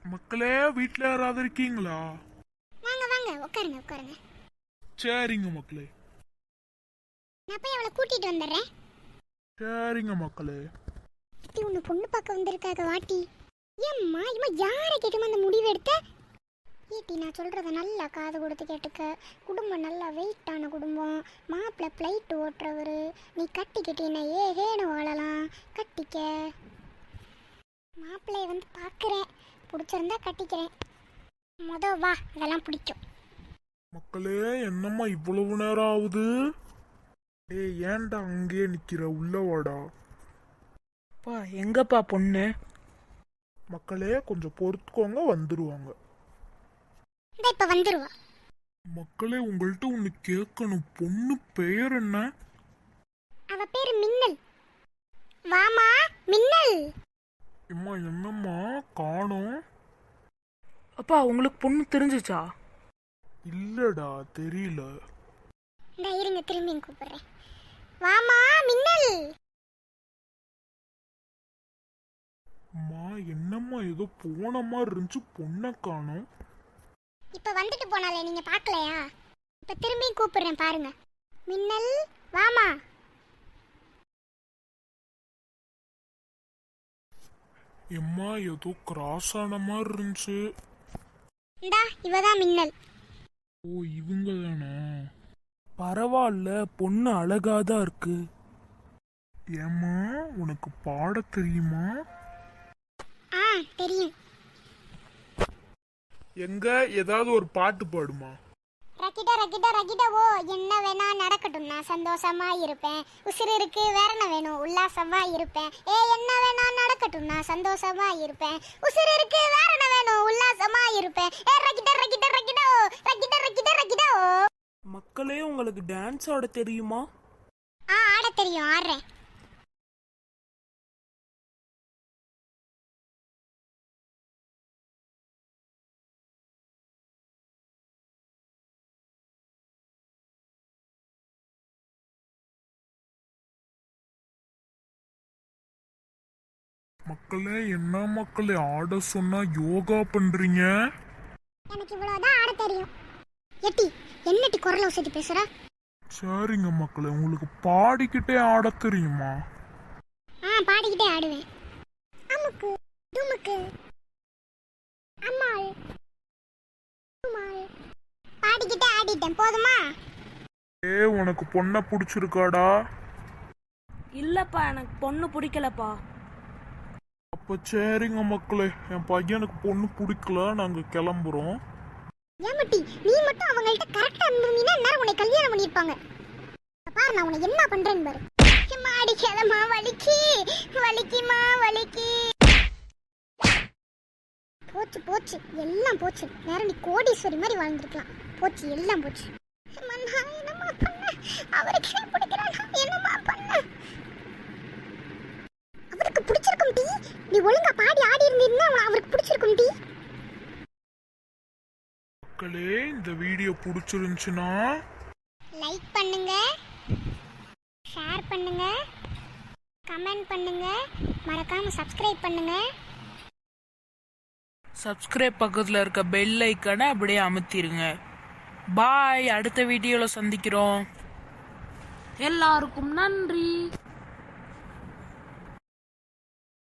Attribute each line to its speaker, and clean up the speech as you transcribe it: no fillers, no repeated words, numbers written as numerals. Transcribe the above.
Speaker 1: மக்களே, வீட்ல யாராவது இருக்கீங்களா?
Speaker 2: வாங்க வாங்க உட்காருங்க உட்காருங்க.
Speaker 1: சரிங்க மக்களே.
Speaker 2: நான் போய் அவளை கூட்டிட்டு வந்துடுறேன்.
Speaker 1: சரிங்க மக்களே.
Speaker 2: இது ஒன்று பொண்ணு பார்க்க வந்திருக்காங்க வாட்டி. ஏம்மா இம்மா யாரை கேட்டுமா அந்த முடிவு எடுத்த? ஏட்டி நான் சொல்கிறத நல்லா காது கொடுத்து கேட்டுக்க. குடும்பம் நல்லா வெயிட்டான குடும்பம். மாப்பிள்ளை ஃப்ளைட் ஓட்டுறவர். நீ கட்டிக்கிட்டீன்னா ஏகேன்னு வாழலாம். கட்டிக்க. மாப்பிள்ளைய வந்து பார்க்குறேன், பிடிச்சிருந்தா கட்டிக்கிறேன். வா அதெல்லாம் பிடிக்கும்.
Speaker 1: மக்களே, என்னம்மா இவ்வளவு நேரம் ஆகுது? ஏன்டா அங்கேயே நிக்கிற? உள்ள வாடா.
Speaker 3: எங்கப்பா பொண்ணு?
Speaker 1: மக்களே, கொஞ்சம் பொறுத்துக்கோங்க, வந்துருவாங்க.
Speaker 2: இப்ப வந்துருவா.
Speaker 1: மக்களே, உங்கள்கிட்ட ஒண்ணு கேட்கணும். பொண்ணு பெயர் என்ன?
Speaker 2: அவ பேரு மின்னல். வாமா மின்னல்.
Speaker 1: அம்மா என்னம்மா காணோம்?
Speaker 3: அப்பா உங்களுக்கு பொண்ணு தெரிஞ்சுச்சா?
Speaker 1: இல்லடா, தெரியல.
Speaker 2: இருங்க திரும்பி கூப்பிடுறேன். வாமா மின்னல்.
Speaker 1: அம்மா என்னம்மா ஏதோ போன மாதிரி இருந்துச்சு, பொண்ணை காணோம்.
Speaker 2: இப்ப வந்துட்டு போனாலே நீங்க பாக்கலையா? இப்ப திரும்பி கூப்பிடுறேன் பாருங்க. மின்னல் வாமா.
Speaker 1: எம்மா ஏதோ கிராஸ் ஆன மாதிரி இருந்துச்சு.
Speaker 2: இந்தா இவதான் மின்னல்.
Speaker 1: ஓ, இவங்க தானா?
Speaker 3: பரவாயில்ல, பொண்ணு அழகாதான் இருக்கு.
Speaker 1: ஏம்மா உனக்கு பாட தெரியுமா?
Speaker 2: தெரியும்.
Speaker 1: எங்க ஏதாவது ஒரு பாட்டு பாடுமா?
Speaker 2: ரக்கிட்ட ரக்கிட்ட ரக்கிட்ட ஓ, என்ன வேணா நடக்கட்டும், நான் சந்தோஷமா இருப்பேன். உசுறு இருக்கு வேற என்ன வேணும், உல்லாசமா இருப்பேன். என்ன வேணா நடக்கட்டும், நான் சந்தோஷமா இருப்பேன். உசுறு இருக்கு வேற என்ன வேணும், உல்லாசமா இருப்பேன். ரக்கிட்ட ரக்கிட்ட ரக்கிட்ட ஓ, ரக்கிட்ட ரக்கிட்ட ரக்கிட்ட ஓ.
Speaker 3: மக்களே, உங்களுக்கு டான்ஸ் ஆட தெரியுமா?
Speaker 2: ஆட தெரியும், ஆடுறேன்.
Speaker 1: மக்களே, என்ன மக்களே ஆட சொன்னா யோகா பண்றீங்க?
Speaker 2: எனக்கு இவ்வளவுதான் ஆட தெரியும். எட்டி என்னட்டி குரல வசதி பேசுற?
Speaker 1: சரிங்க மக்களே, உங்களுக்கு பாடிக்கிட்டே ஆட தெரியுமா?
Speaker 2: பாடிக்கிட்டே ஆடுவேன். அமுக்கு துமுக்கு அம்மாள் அம்மாள் பாடிக்கிட்டே ஆடிட்டேன், போதுமா?
Speaker 1: உனக்கு பொண்ணை பிடிச்சிருக்காடா?
Speaker 3: இல்லப்பா, எனக்கு பொண்ணு பிடிக்கலப்பா.
Speaker 1: அப்ப சரிங்க மக்களே, என் பையனுக்கு பொண்ணு பிடிக்கல, நாங்க கிளம்புறோம்.
Speaker 2: ஏமட்டி நீ மட்டும் அவங்கள்ட்ட கரெக்டா இருந்தீங்கன்னா என்ன உன்னை கல்யாணம் பண்ணிருப்பாங்க. பாரு நான் உன்னை என்ன பண்றேன்னு பாரு. அடிக்காதம்மா, வலிக்கி வலிக்கிமா வலிக்கி. போச்சு போச்சு எல்லாம் போச்சு. வேற நீ கோடீஸ்வரி மாதிரி வாழ்ந்துருக்கலாம். போச்சு எல்லாம் போச்சு. என்னம்மா பண்ண? அவருக்கு பிடிக்கிறான், என்னம்மா பண்ண? அவருக்கு பிடிச்சிருக்கும் டி. நீ ஒழுங்கா பாடி ஆடி இருந்தீன்னா அவருக்கு பிடிச்சிருக்கும் டி.
Speaker 1: மக்களே, இந்த வீடியோ பிடிச்சிருந்துச்சுன்னா
Speaker 2: லைக் பண்ணுங்க, ஷேர் பண்ணுங்க, கமெண்ட் பண்ணுங்க, மறக்காம சப்ஸ்கிரைப் பண்ணுங்க.
Speaker 3: சப்ஸ்கிரைப் பக்கத்துல இருக்க பெல் ஐக்கானை அப்படியே அமுத்திருங்க. பாய், அடுத்த வீடியோல சந்திக்கிறோம். எல்லாருக்கும் நன்றி.